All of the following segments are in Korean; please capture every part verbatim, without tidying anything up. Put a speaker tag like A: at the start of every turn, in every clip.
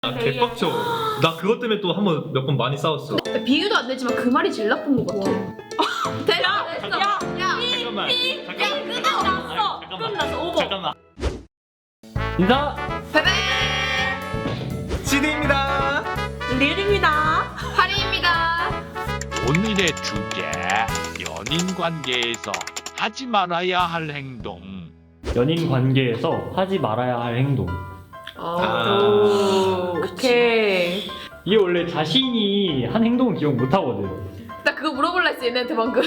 A: 아, 개빡쳐. 나 그것 때문에 또 한 번 몇 번 많이 싸웠어.
B: 비교도 안 되지만 그 말이 제일 나쁜 것 같아. 됐어, 됐어.
A: 야,
B: 야,
A: 잠깐만. 잠깐만.
B: 끝났어.
A: 잠깐만.
B: 끝났어. 오버.
A: 잠깐만.
C: 인사!
B: 베베.
A: 지디입니다.
B: 리얼입니다. 하리입니다.
D: 오늘의 주제 연인 관계에서 하지 말아야 할 행동.
C: 연인 관계에서 하지 말아야 할 행동.
A: 아.
B: 오, 오케이.
C: 이게 원래 자신이 한 행동은 기억 못 하거든.
B: 나 그거 물어볼라 했어 얘네한테 방금.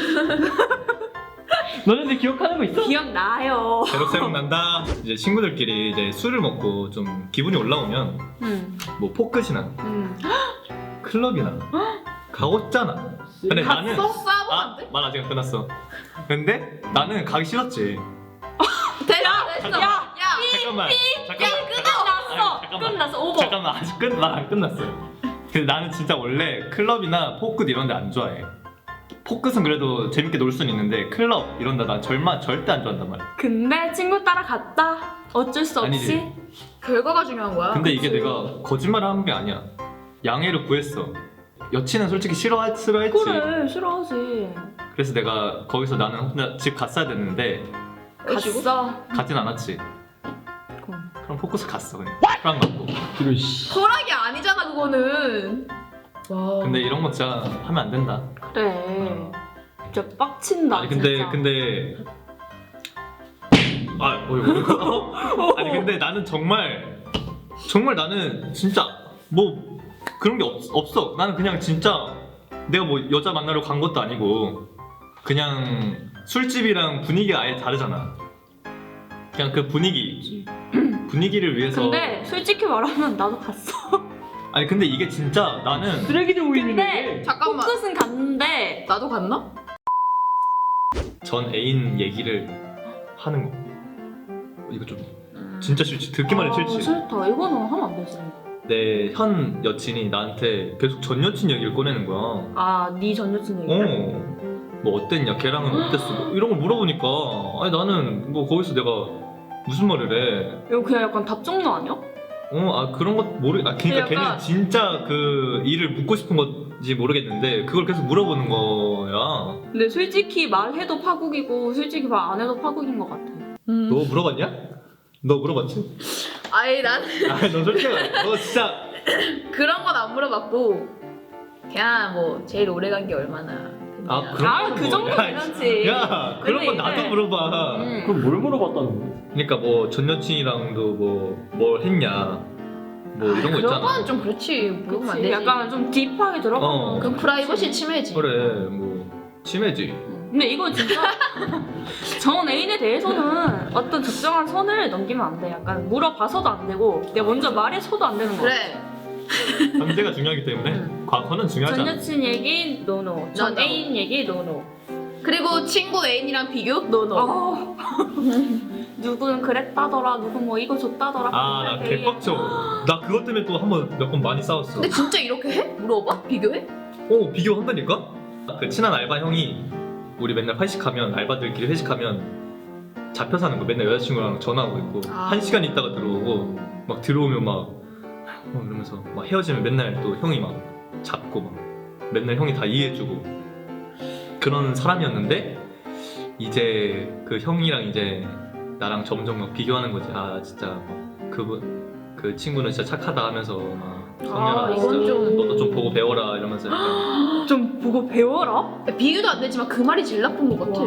C: 너네들 기억하는 거 있어?
B: 기억나요.
A: 새록새록 난다. 이제 친구들끼리 이제 술을 먹고 좀 기분이 올라오면
B: 응.
A: 뭐 포크시나
B: 응.
A: 클럽이나 가고 싶잖아. 근데 나는
B: 갔어? 싸우면 안
A: 아,
B: 돼?
A: 말 아직 안 끝났어. 근데 나는 가기 싫었지.
B: 됐어, 됐어. 야, 야.
A: 잠깐만. 잠깐만.
B: 끝났어.
A: 아니, 잠깐만.
B: 끝났어. 오버.
A: 잠깐만 아직 끝 말 안 끝났어요. 근데 나는 진짜 원래 클럽이나 포크도 이런 데 안 좋아해. 포크는 그래도 재밌게 놀 수는 있는데 클럽 이런 데나 절마 절대 안 좋아한단 말이야.
E: 근데 친구 따라 갔다. 어쩔 수 없이.
A: 아니지.
B: 결과가 중요한 거야.
A: 근데 이게 내가 거짓말을 한 게 아니야. 양해를 구했어. 여친은 솔직히 싫어 싫어했지.
E: 그래 싫어하지.
A: 그래서 내가 거기서 나는 혼자 집 갔어야 됐는데
E: 갔어.
A: 가진 않았지.
E: 그럼.
A: 그럼 포커스 갔어 그냥. 프랑 맞고.
C: 이런 씨.
B: 허락이 아니잖아 그거는. 와.
A: 근데 이런 거 진짜 하면 안 된다.
E: 그래. 진짜 빡친다.
A: 아니 근데
E: 진짜.
A: 근데 아 뭐야 뭐야. 아니 근데 나는 정말 정말 나는 진짜 뭐 그런 게 없, 없어. 나는 그냥 진짜 내가 뭐 여자 만나러 간 것도 아니고 그냥 술집이랑 분위기가 아예 다르잖아. 그냥 그 분위기 분위기를 위해서.
E: 근데 솔직히 말하면 나도 갔어.
A: 아니 근데 이게 진짜 나는
C: 쓰레기들 모이는
E: 근데
C: 데
B: 잠깐만.
E: 포크는 갔는데
B: 나도 갔나?
A: 전 애인 얘기를 하는 거. 이거 좀 진짜 싫지. 듣기만 해도
E: 아,
A: 싫지.
E: 싫다. 이거는 하면 안 되지.
A: 내 현 여친이 나한테 계속 전 여친 얘기를 꺼내는 거야.
E: 아, 네 전 여친 얘기.
A: 어. 뭐 어땠냐? 걔랑은 어땠어? 뭐 이런 걸 물어보니까 아니 나는 뭐 거기서 내가 무슨 말을 해?
E: 이거 그냥 약간 답 종류 아니야?
A: 어, 아 그런 것 모르. 아 그러니까
B: 약간-
A: 걔는 진짜 그 일을 묻고 싶은 건지 모르겠는데 그걸 계속 물어보는 거야.
E: 근데 솔직히 말해도 파국이고 솔직히 말 안 해도 파국인 것 같아.
B: 음.
A: 너 물어봤냐? 너 물어봤지?
B: 아니 나는
A: 아니 너 솔직히 너 진짜
B: 그런 건 안 물어봤고 그냥 뭐 제일 오래 간 게 얼마나.
A: 아
B: 그냥.
A: 그런
E: 아,
A: 건
E: 그
A: 뭐-
E: 정도는
A: 야,
E: 괜찮지.
A: 야 그런 건
E: 근데
A: 나도
E: 이게-
A: 물어봐.
E: 음.
C: 그럼 뭘 물어봤다는 거야?
A: 그러니까 뭐 전 여친이랑도 뭐 뭘 했냐 뭐 이런 거
B: 그런
A: 있잖아.
B: 건 좀 그렇지. 물어보면 안
E: 그치?
B: 되지.
E: 약간 좀 딥하게 들어가면
A: 어.
B: 그럼 프라이버시 침해지.
A: 그래 뭐 심해지.
E: 근데 이거 진짜 전 애인에 대해서는 어떤 적정한 선을 넘기면 안 돼. 약간 물어봐서도 안 되고 내가 먼저 말해서도 안 되는 거야.
B: 그래.
A: 현재가 중요하기 때문에
E: 응.
A: 과거는 중요하지
E: 전
A: 않아.
E: 여친 얘기 노노. 전
B: 나도.
E: 애인 얘기 노노.
B: 그리고 친구 애인이랑 비교? 노노.
E: 어. 누구는 그랬다더라. 누군 뭐 이거 줬다더라.
A: 아나
E: 되게-
A: 개빡쳐. 나 그것 때문에 또 한 번 몇 번 많이 싸웠어.
B: 근데 진짜 이렇게 해? 물어봐? 비교해?
A: 어 비교한다니까? 그 친한 알바 형이 우리 맨날 회식하면 알바들끼리 회식하면 잡혀 사는 거 맨날 여자친구랑 전화하고 있고
B: 아.
A: 한 시간 있다가 들어오고 막 들어오면 막 어, 이러면서 막 헤어지면 맨날 또 형이 막 잡고 막 맨날 형이 다 이해해주고 그런 사람이었는데 이제 그 형이랑 이제 나랑 점점 막 비교하는 거지. 아 진짜 막 그분 그 친구는 진짜 착하다 하면서 막 성현아
B: 아, 이건
A: 진짜
B: 좀-
A: 너도 좀 보고 배워라 이러면서 약간
E: 좀 보고 배워라.
B: 비교도 안 되지만 그 말이 제일 나쁜 것 같아.
E: 와.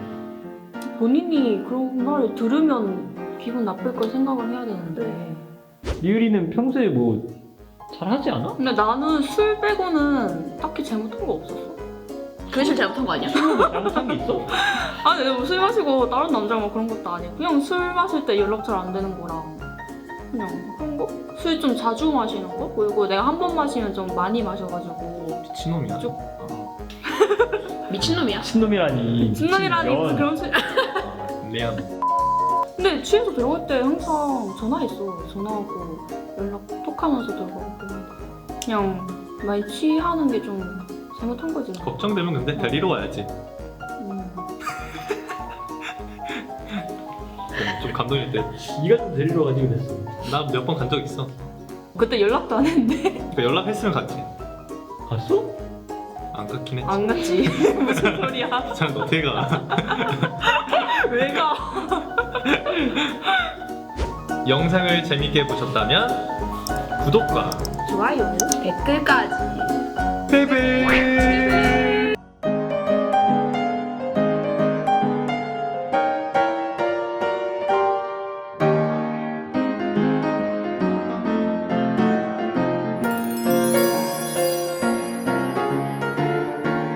E: 본인이 그런 말을 들으면 기분 나쁠 걸 생각을 해야 되는데.
C: 리을이는 평소에 뭐 잘하지 않아?
E: 근데 나는 술 빼고는 딱히 잘못한 거 없었어.
B: 그게 제일 잘못한 거 아니야?
C: 뭐 잘못한 게 있어?
E: 아니 내가 뭐술 마시고 다른 남자랑 막 그런 것도 아니고 그냥 술 마실 때 연락 잘 안 되는 거랑 그냥 그런 거? 술 좀 자주 마시는 거? 그리고 내가 한 번 마시면 좀 많이 마셔가지고
A: 미친놈이야.
E: 쭉.
A: 아,
B: 미친놈이야.
C: 친놈이라니.
E: 진놈이라니
C: 미친년.
E: 그런 술.
A: 미안.
E: 근데 취해서 들어갈 때 항상 전화했어. 전화하고 연락 톡하면서 들어가고 그냥 많이 취하는 게 좀 잘못한 거지.
A: 걱정되면 근데 데리러 와야지.
E: 음.
A: 좀 감동일 때.
C: 네가 좀 데리러 가지 그랬어.
A: 나 몇 번 간 적 있어.
E: 그때 연락도 안 했는데.
A: 그 연락했으면 갔지.
C: 갔어?
A: 안 갔긴 했지.
E: 안 갔지. 무슨 소리야?
A: 참 어떻게 가?
E: 왜 가?
A: 영상을 재밌게 보셨다면 구독과
B: 좋아요, 댓글까지.
A: 베베